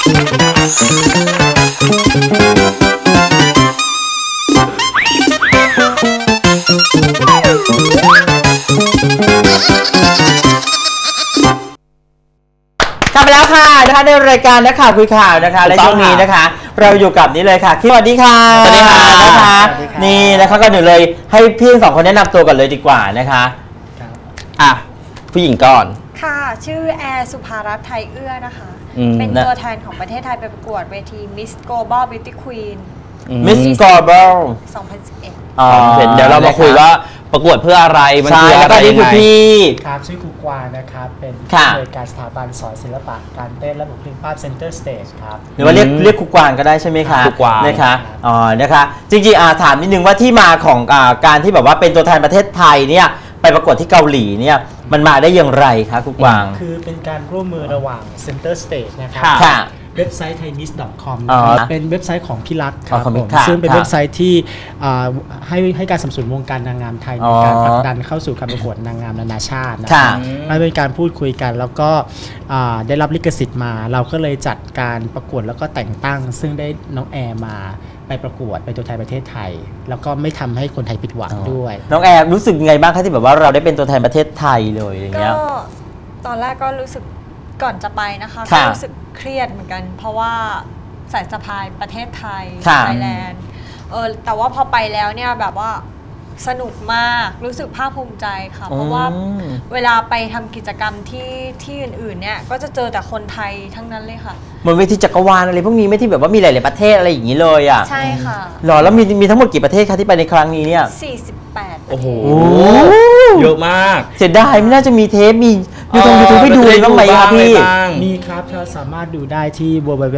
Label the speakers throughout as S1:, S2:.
S1: กลับมาแล้วค่ะนะคะในรายการนักข่าวคุยข่าวนะคะและช่วงนี้นะคะเราอยู่กับนี่เลยค่ะสวัสดีค่ะสวัสดีค่ะนะคะนี่นะคะก็หนึ่งเลยให้พี่สองคนแนะนำตัวกันเลยดีกว่านะคะผู้หญิงก่อน
S2: ค่ะชื่อแอร์สุภารัตน์ไทยเอื้อนะคะเป็นตัวแทนของประเทศไทยไปประกวดเวที Miss Global Beauty Queen
S1: Miss Global
S2: 2011
S3: เดี๋ยวเรามาคุยว่าประกวดเพื่ออะไรมันคืออะไร
S1: นี่คือพี่
S4: ครับชื่อครูกวางนะครับเป็นผู้อำนวยการสถาบันสอนศิลปะการเต้นและบุคลิกภาพ Center Stage ครับ
S1: หรือว่าเรียกครูกวางก็ได้ใช่ไหมคะ
S3: ครูกวาง
S1: นะคะนะคะจริงๆถามนิดนึงว่าที่มาของการที่แบบว่าเป็นตัวแทนประเทศไทยเนี่ยไปประกวดที่เกาหลีเนี่ยมันมาได้อย่างไรคะครูกวาง
S4: คือเป็นการร่วมมือระหว่าง Center Stage นะครับเว็บไซต์ thaimis.com เป็นเว็บไซต์ของพี่รักครับผมซึ่งเป็นเว็บไซต์ที่ให้การสนับสนุนวงการนางงามไทยในการผลักดันเข้าสู่การประกวดนางงามนานาชาตินะครับมันเป็นการพูดคุยกันแล้วก็ได้รับลิขสิทธิ์มาเราก็เลยจัดการประกวดแล้วก็แต่งตั้งซึ่งได้น้องแอร์มาไปประกวดเป็นตัวแทนประเทศไทยแล้วก็ไม่ทำให้คนไทยผิดหวังด้วย
S1: น้องแอร์รู้สึกไงบ้างคะที่แบบว่าเราได้เป็นตัวแทนประเทศไทยเลยอย่างเงี้ย
S2: ก็ตอนแรกก็รู้สึกก่อนจะไปนะคะก็รู้สึกเครียดเหมือนกันเพราะว่าสายสะพายประเทศไทยไทยแลนด์แต่ว่าพอไปแล้วเนี่ยแบบว่าสนุกมากรู้สึกภาคภูมิใจค่ะเพราะว่าเวลาไปทำกิจกรรมที่อื่นๆเนี่ยก็จะเจอแต่คนไทยทั้งนั้นเลยค่ะ
S1: เหมือนเวทีจักรวาลอะไรพวกนี้ไม่ที่แบบว่ามีหลายๆประเทศอะไรอย่างนี้เลยอ่ะ
S2: ใช่ค่ะ
S1: หรอแล้วมีทั้งหมดกี่ประเทศคะที่ไปในครั้งนี้เนี่ย
S2: 48
S3: โอ้โหเยอะมาก
S1: เสียดายไม่น่าจะมีเทปมียูทูบให้ดูบ้างไหมครับพี่
S4: มีครับเราสามารถดูได้ที่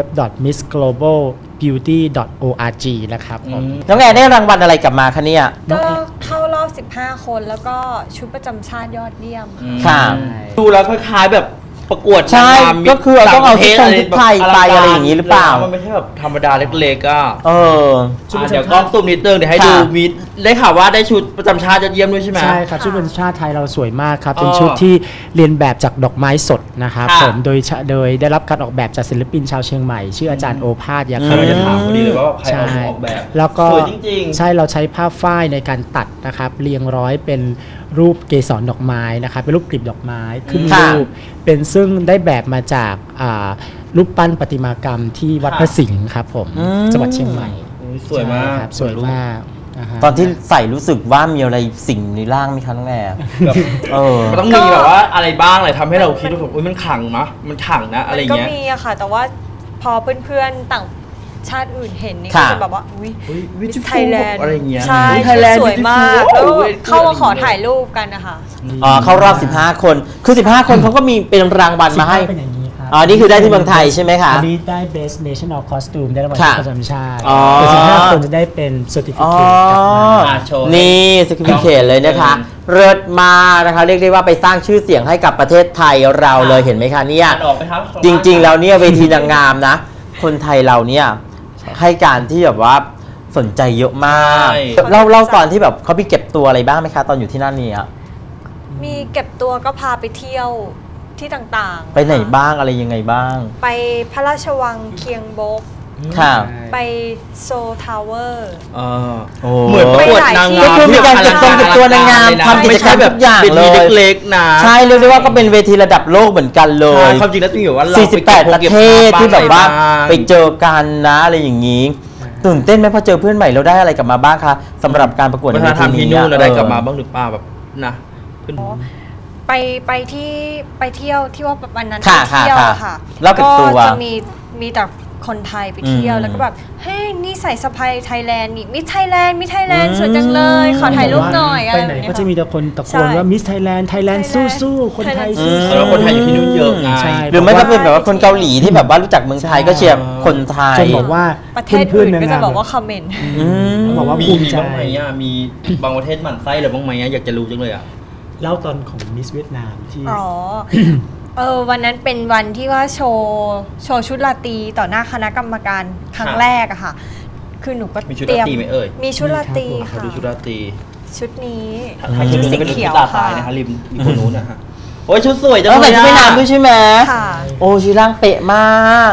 S4: www.missglobalbeauty.org นะครับ
S1: น้องแอร์ได้รางวัลอะไรกลับมาคะเนี่ย
S2: ก็เข้ารอบ15คนแล้วก็ชุดประจำชาติยอดเยี่ยม
S1: ค่ะ
S3: ดูแล้วคล้ายๆแบบประกวด
S1: ใช่ก็คือต้องเอาชุดไทยไปอะไรอย่างนี้หรือเปล่า
S3: มันไม่ใช่แบบธรรมดาเล็กๆก็
S1: เ
S3: ดี๋ยวกล้องซูมนิดนึงเดี๋ยวให้ดูมีได้ข่าวว่าได้ชุดประจำชาติยอดเยี่ยมด้วยใช่ไหม
S4: ใช่ครับชุดประจำชาติไทยเราสวยมากครับเป็นชุดที่เรียนแบบจากดอกไม้สดนะครับผมโดยได้รับการออกแบบจากศิลปินชาวเชียงใหม่ชื่ออาจารย์โอภาสยาค
S3: ำจะถามพอดีเลยว่าใครออกแบบ
S4: แล้วก็
S3: สวยจริง
S4: ๆใช่เราใช้ผ้าฝ้ายในการตัดนะครับเรียงร้อยเป็นรูปเกสรดอกไม้นะครับเป็นรูปกลีบดอกไม้ขึ้นรูปเป็นซึ่งได้แบบมาจากรูปปั้นประติมากรรมที่วัดพระสิงห์ครับผมจังหวัดเชียงใหม่
S3: สวยมาก
S4: สวยมาก
S1: ตอนที่ใส่รู้สึกว่ามีอะไรสิ่งในร่างไหมคะน้องแอร์
S3: มันต้องมีแบบว่าอะไรบ้างอะไรทำให้เราคิดว่าแบบมันขังนะมันขังนะอะไรเงี้ย
S2: ก็มีอะค่ะแต่ว่าพอเพื่อนๆต่างชาติอื่นเห็นนี่ก็จะแบบว่า
S3: วิจิตร
S2: ไทยแลนด์
S3: อะไรเงี้ย
S2: ใช่สวยมากแล้วเข้ามาขอถ่ายรูปกันนะคะ
S1: เข้ารอบ15คนคือ15คนเขาก็มีเป็นรางวัลมาให้นี่คือได้ที่เมืองไทยใช่ไหมคะ
S4: อันนี้ได้ Best National Costume ได้รางวัลประจำชาติแต่15คนจะได้เป็น Certificate กลับมา
S1: นี่ Certificate เลยนะคะเลิศมานะคะเรียกได้ว่าไปสร้างชื่อเสียงให้กับประเทศไทยเราเลยเห็นไหมคะเนี่ยจริงๆแล้วเนี่ยเวทีนางงามนะคนไทยเราเนี่ยให้การที่แบบว่าสนใจเยอะมากเล่าตอนที่แบบเขาไปเก็บตัวอะไรบ้างไหมคะตอนอยู่ที่นั่นเนี่ย
S2: มีเก็บตัวก็พาไปเที่ยวที่ต่างๆ
S1: ไปไหนบ้างอะไรยังไงบ้าง
S2: ไปพระราชวังเคียงบกไปโซทาวเวอร์
S3: เหมือนประกวดนางงาม
S1: คือมีการเก็บตัวนางงามทำกิจกรรมแบบอย่างเลย
S3: เล็กๆนะ
S1: ใช่เรียกได้ว่าก็เป็นเวทีระดับโลกเหมือนกันเลย
S3: ความจริงแล้วต้องอยู่ว่า
S1: 48ประเทศที่แบบว่าไปเจอกันนะอะไรอย่างนี้ตื่นเต้นไหมพอเจอเพื่อนใหม่เราได้อะไรกลับมาบ้างคะสำหรับการประกวดในเวทีนี้
S3: เราได้กลับมาบ้างหรือเปล่าแบบนะ
S2: ไปเที่ยวที่ว่าวันนั้นไปเที่ยวค่ะ
S1: ก็
S2: จะมีแต่คนไทยไปเที่ยวแล้วก็แบบเฮ้ยนี่ใส่สะพายไทยแลนด์นี่มิสไทยแลนด์สวยจังเลยขอถ่ายรูปหน่อย
S4: ไปไหนก็จะมีแต่คนตะโกนว่ามิสไทยแลนด์สู้คนไทยสู้
S3: แล้วคนไทยอยู่ที่นู่นเยอะไง
S1: หรือไม่ก็เป็นแบบว่าคนเกาหลีที่แบบว่ารู้จักเมืองไทยก็เชียร์คนไทย
S4: จนบอกว่า
S2: ประเทศอื่นก็จะบอกว่าคอมเมนต์
S4: บอกว่าภูมิใจ
S3: บ้างไหมมีบางประเทศหมั่นไส้หรือบ้างไหมอยากจะรู้จังเลย
S4: เล่าตอนของมิสเวียดนามที่
S2: วันนั้นเป็นวันที่ว่าโชว์ชุดราตรีต่อหน้าคณะกรรมการครั้งแรกอะค่ะคือหนูก็
S3: เตรียม
S2: มีชุดราตรีค่ะ
S3: ชุดราตรี
S2: ชุดนี้
S3: ชุดสีเขียวค่ะนะคะริมมีคนนู้นนะฮะโอ้ยชุดสวยจัง
S1: เลยใส่ชุดว่ายน้ำด้วยใช่ไหม
S2: ค่ะ
S1: โอ้ชุดร่างเป๊ะมาก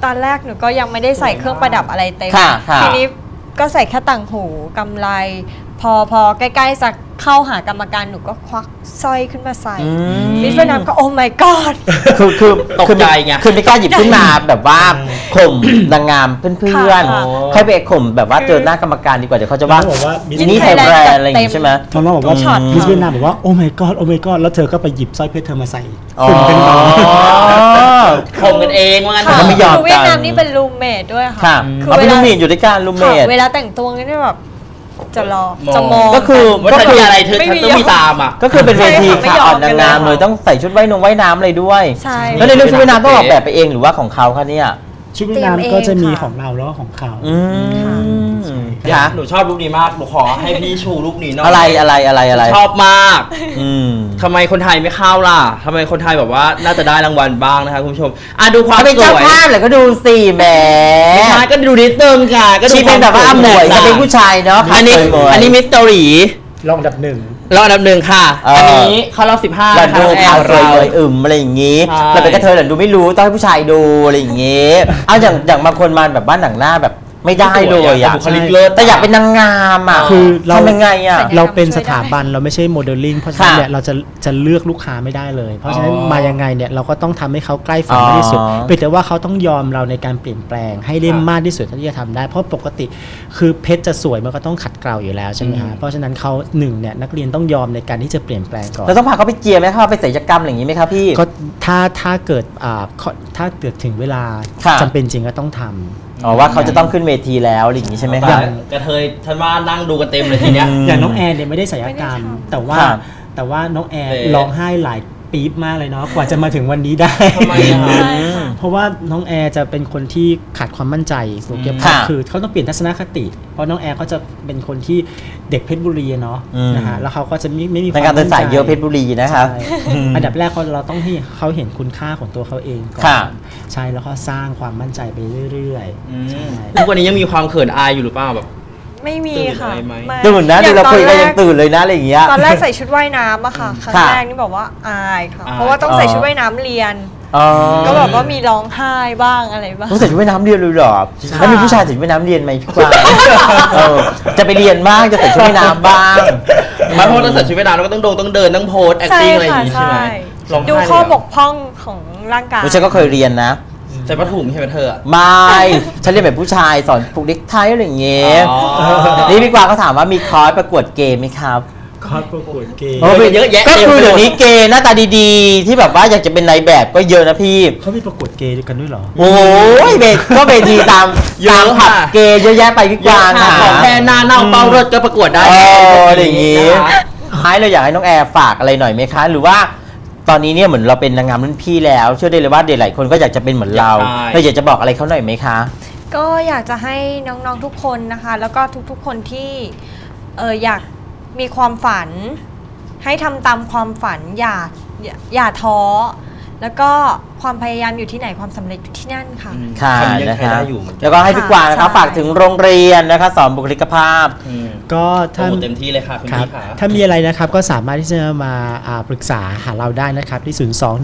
S2: ตอนแรกหนูก็ยังไม่ได้ใส่เครื่องประดับอะไรเต็ม
S1: ค่ะ
S2: ทีนี้ก็ใส่แค่ต่างหูกำไรพอใกล้ๆจะเข้าหากรรมการหนูก็ควักสร้อยขึ้นมาใส่มิสเวียดนามก็โอ้ my god
S1: คือ
S3: ตกใจไง
S1: คือไม่กล้าหยิบขึ้นมาแบบว่าข่มนางงามเพื่อน
S2: ค่ะ
S1: ๆค่อยไปข่มแบบว่าเจอหน้ากรรมการดีกว่าเดี๋ยวเขาจะว่า
S4: บอกว่า
S1: อีนี่ไทยแบรนด์อะไรอย่างงี้ใช่ไหม
S4: ตอนนั้นบอกว่า
S2: ช็อต
S4: มิสเวียดนามบอกว่าโอ้ my god โอ้ my god แล้วเธอก็ไปหยิบสร้อยเพชรเธอมาใส่
S1: อ๋อ
S4: คุณเป็นหมอ
S3: ข่มกันเองว่างั้น
S1: แต่ก็ไม่ยอม
S2: คือเวียดนามนี่เป็นรูมเมทด้วย
S1: ค่ะ
S2: ค่ะ
S1: เอาเป็นลูกหมีอยู่ด้วยกันลูกเม
S2: ค่ะ
S1: ท
S2: เวลาแต่งตัวนี่แบบจะรอ
S3: มอง
S2: จะมอง
S1: ก็คือ
S3: ว่าถ้ามีอะไรเธอ
S2: ไม่มี
S3: ต้องมีตามอ่ะ
S1: ก็คือเป็นเวที
S2: ไม่
S1: ค่ะ
S2: ยอ
S1: อ่อ
S2: ม
S1: นนางงาม
S2: กันเลย
S1: เลยต้องใส่ชุดว่ายน้ำอะไรด้วย
S2: ใช่
S1: แล้วในเรื่องชุดว่ายน้ำต้องออกแบบไปเองหรือว่าของเขาคะเนี่ย
S4: ชุดว่ายน้ำก็จะมีของเราแล้วก็ของเขา
S1: อืม
S3: เดี๋ยว
S1: ค่ะ
S3: หนูชอบรูปนี้มากหนูขอให้พี่ชูรูปนี้หน่อย
S1: อะไร
S3: ชอบมาก
S1: อืม
S3: ทำไมคนไทยไม่เข้าล่ะทำไมคนไทยแบบว่าน่าจะได้รางวัลบ้างนะคะคุณผู้ชมดูความ
S1: เขาเป็น
S3: ส
S1: เจ้า
S3: วย
S1: ภาพเลยก็ดูสิแหม
S3: ไม่ใช่ก็ดูนิดนึงค่ะก็ดู
S1: ชีเป็นแบบว่าหมวยจะเป็นผู้ชายเนาะ
S3: อันนี้
S1: หมวย
S3: อันนี้มิสเตอรี
S4: รองอันดับหนึ่ง
S3: รอบอันดับหนึ่งค่ะ
S1: เอออั
S3: อันนี้เข้ารอบ15
S1: เรา
S3: นะคะ
S1: ดู
S3: น้องแอ
S1: ข่าว
S3: ร์
S1: สวย
S3: เรา
S1: เลยอะไรอย่างงี้
S3: ใช่
S1: เราเป็นกระเทยแต่ดูไม่รู้ต้องให้ผู้ชายดูอะไรอย่างงี้เอาอย่างบางคนมาแบบบ้านหนังหน้าแบบไม่ได้เลยอ่ะ
S3: บุคลิกเลิศ
S1: แต่อยากเป็นนางงามอ่ะ
S4: คือเรา
S1: ทำยังไงอ่ะ
S4: เราเป็นสถาบันเราไม่ใช่โมเดลลิ่งเพราะฉะนั้นเนี่ยเราจะเลือกลูกค้าไม่ได้เลย เพราะฉะนั้น
S3: อ๋อ
S4: มายังไงเนี่ยเราก็ต้องทำให้เขาใกล้ฝันมากที่สุด
S1: อ๋อ
S4: เพียงแต่ว่าเขาต้องยอมเราในการเปลี่ยนแปลงให้ได้มากที่สุดเท่าที่จะทำได้เพราะปกติคือเพชรจะสวยมันก็ต้องขัดเกลาอยู่แล้วใช่ไหมฮะเพราะฉะนั้นเขาหนึ่งเนี่ยนักเรียนต้องยอมในการที่จะเปลี่ยนแปลงก่อน
S1: เราต้องพาเขาไปเจียร์ไหมคะไปศัลยกรรมอะไรอย่างงี้ไหมครับพี่
S4: ก็ถ้าเกิดถ้าเกิดถึงเวลา
S1: ค่ะ
S4: จำเป็นจริงก็ต้องทำ
S1: อ๋อว่าเขาจะต้องขึ้นเวทีแล้วอะไรอย่างงี้ใช่ไหมครับ
S3: กระเทยฉันว่านั่งดูกันเต็มเลยทีเนี้ย
S4: อย่างน้องแอนเนี่ยไม่ได้ศัลยกรรม
S2: ไม่ได้ทำ
S4: แต่ว่า
S1: ครับ
S4: แต่ว่าน้องแอน
S3: เอ๊ะ
S4: ร้องไห้หลายปี๊บมากเลยเนาะกว่าจะมาถึงวันนี้ได้
S3: ทำไมอะ
S2: ใช่ค่ะ
S4: เพราะว่าน้องแอร์จะเป็นคนที่ขาดความมั่นใจสุเกียรติ
S1: ค่ะ
S4: คือเขาต้องเปลี่ยนทัศนคติ เพราะน้องแอร์เขาจะเป็นคนที่เด็กเพชรบุรีอะเนาะ
S1: อืม
S4: นะฮะแล้วเขาก็จะไม่มีค
S1: ใน
S4: วาม
S1: การเดินสาย
S4: มั่ใจ
S1: เยอะเพชรบุรีนะครับ
S4: ใช่อันดับแรกเราต้องให้เขาเห็นคุณค่าของตัวเขาเองก่อน
S1: ค่ะ
S4: ใช่แล้วก็สร้างความมั่นใจไปเรื่อยๆใช่
S3: ทุกวันนี้ยังมีความเขินอายอยู่หรือเปล่าแบบ
S2: ไม่มีค่ะ
S3: ตื่นอะไรไหม
S2: ไม่
S1: ตื่นนะ
S2: อ
S1: ดู
S2: ย่าง
S1: เราคุยกัน
S2: ตอ
S1: ยังตื่นเลยนะอะไรอย่างเงี้ย
S2: ตอนแรกใส่ชุดว่ายน้ำอะค่ะครั้ง
S1: ค่ะ
S2: แรกนี่บอกว่าอายค่ะ
S3: อาย
S2: เพราะว่าต้องใส่ชุดว่ายน้ำเรียน
S1: อ๋อ
S2: ก็แบบว่ามีร้องไห้บ้างอะไรบ้าง
S1: ต้องใส่ชุดว่ายน้ำเรียนเลยเหรอแล้วมีผู้ชายใส่ชุดว่ายน้ำเรียนไหมพี่กวางเออจะไปเรียนบ้างจะใส่ชุดว่ายน้ำบ้าง
S3: มาเพราะว่าต้องใส่ชุดว่ายน้ำแล้วก็ต้องเดินต้องโพส
S2: ใช่
S3: acting อะไรอย่า
S2: ค่ะ
S3: งงี้ใช่ไหม
S2: ใช่
S3: ร้องไห้
S2: ดู
S3: เลย
S2: ข้อ
S3: เหร
S2: บกพร่องของร่างกาย
S1: ฉันก็เคยเรียนนะ
S3: ใส่ผ้าถุงใช่ไหมเธออะ
S1: ไม่ฉันเรียนแบบผู้ชายสอนผูกเน็กไทอะไรอย่างเงี้ย
S3: อ๋อ
S1: นี่พี่กวางเขาถามว่ามีคอร์สประกวดเกมไหมครับ
S4: คอร์สประกวดเกม
S1: โอ้
S3: เยอะแยะ
S1: ก็คือเดี๋ยวนี้เกย์หน้าตาดีๆ ที่แบบว่าอยากจะเป็นนายแบบก็เยอะนะพี่
S4: เขามีประกวดเกย์กันด้วยเหรอ
S1: โอ้ยก็เวทีตาม
S3: เยอะ
S1: ตามผับ
S3: ค่ะ
S1: เกย์เยอะแยะไปพี่ก
S3: เยอะ
S1: วาง
S3: ค่ะ
S1: ค่ะ
S3: ขอแค่หน้าเน่าเป้ารถก็ประกวดได้
S1: เอออะไรอย่าง
S3: งี้
S1: งี้
S3: นะคะ
S1: ท้ายเราอยากให้น้องแอร์ฝากอะไรหน่อยไหมคะ หรือว่าตอนนี้เนี่ยเหมือนเราเป็นนางงามรุ่นพี่แล้ว เชื่อได้เลยว่าเด็กหลายคนก็อยากจะเป็นเหมือนเรา
S3: ใช่
S1: เราอยากจะบอกอะไรเขาหน่อยไหมคะ
S2: ก็อยากจะให้น้องๆทุกคนนะคะ แล้วก็ทุกๆคนที่อยากมีความฝัน ให้ทำตามความฝันอย่าท้อแล้วก็ความพยายามอยู่ที่ไหนความสำเร็จอยู่ที่นั่นค่ะ
S1: ค่ะ
S3: ทำยัง
S1: นะ
S3: ใช้
S1: คะ
S3: ได้อยู่เหมือนกัน
S1: แล้วก็ให้พี่กวางนะคะ
S2: ใช่
S1: ฝากถึงโรงเรียนนะคะสอนบุคลิกภาพ
S3: อืม
S4: ก็
S3: โปร
S4: ถ้า
S3: โมทเต็มที่เลยค่ะคุณ
S4: ครับ
S3: พี่ขา
S4: ถ้ามีอะไรนะครับก็สามารถที่จะมาปรึกษาหาเราได้นะครับที่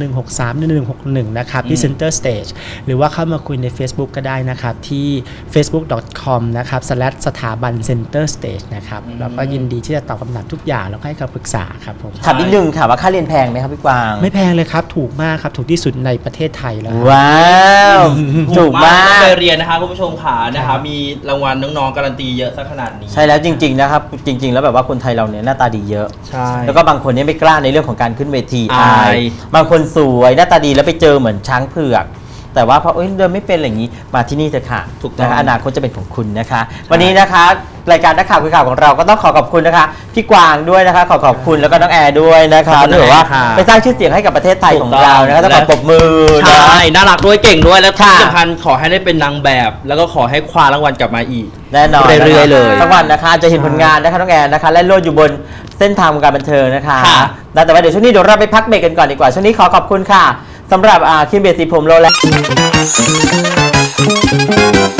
S4: 021631161 นะครับที่ Center Stage หรือว่าเข้ามาคุยใน Facebook ก็ได้นะครับที่ facebook.com นะครับ/สถาบัน Center Stage นะครับแล้วก็ยินดีที่จะตอบคำถามทุกอย่างแล้วก็ให้คำปรึกษาครับผม
S1: ถามนิดนึงค่ะว่าค่าเรียนแพงไหมครับพี่กวาง
S4: ไม่แพงเลยครับถูกมากครับถูกที่สุดในประเทศไทยแล้วครับ
S1: ว้าวถูกมาก
S3: ไปเรียนนะคะคุณผู้ชมขานะคะมีรางวัลน้องๆการันตีเยอะซะขนาดนี้
S1: ใช่แล้วจริงๆนะครับจริง ๆ แล้วแบบว่าคนไทยเราเนี่ยหน้าตาดีเยอะ
S3: ใช่
S1: แล้วก็บางคนเนี่ยไม่กล้าในเรื่องของการขึ้นเวที
S3: อาย
S1: บางคนสวยหน้าตาดีแล้วไปเจอเหมือนช้างเผือก แต่ว่าพอเดินไม่เป็นอะไรอย่างนี้มาที่นี่เถอะค่ะ
S3: ถูกต้อง
S1: นะคะอนาคตจะเป็นของคุณนะคะ วันนี้นะคะรายการนักข่าวคุยข่าวของเราก็ต้องขอบคุณนะคะพี่กวางด้วยนะคะขอบคุณแล้วก็น้องแอร์ด้วยนะคะที่แบบว่าไปสร้างชื่อเสียงให้กับประเทศไทยของเรานะคะต้องขอปรบมือนะ
S3: ใช่น่ารักด้วยเก่งด้วยและที่
S1: ค่ะ
S3: สำคัญขอให้ได้เป็นนางแบบ แล้วก็ขอให้คว้ารางวัลกลับมาอีก
S1: แน่นอน
S3: เรื่อยๆเลย
S1: สักวันนะคะจะเห็นผลงานนะคะน้องแอนนะคะและโลดอยู่บนเส้นทางวงการบันเทิงนะคะ
S3: ค่ะ
S1: แต่ว่าเดี๋ยวช่วงนี้เดี๋ยวเราไปพักเบรกกันก่อนดีกว่าช่วงนี้ขอขอบคุณค่ะสำหรับครีมเบสสีผมโรแลนด์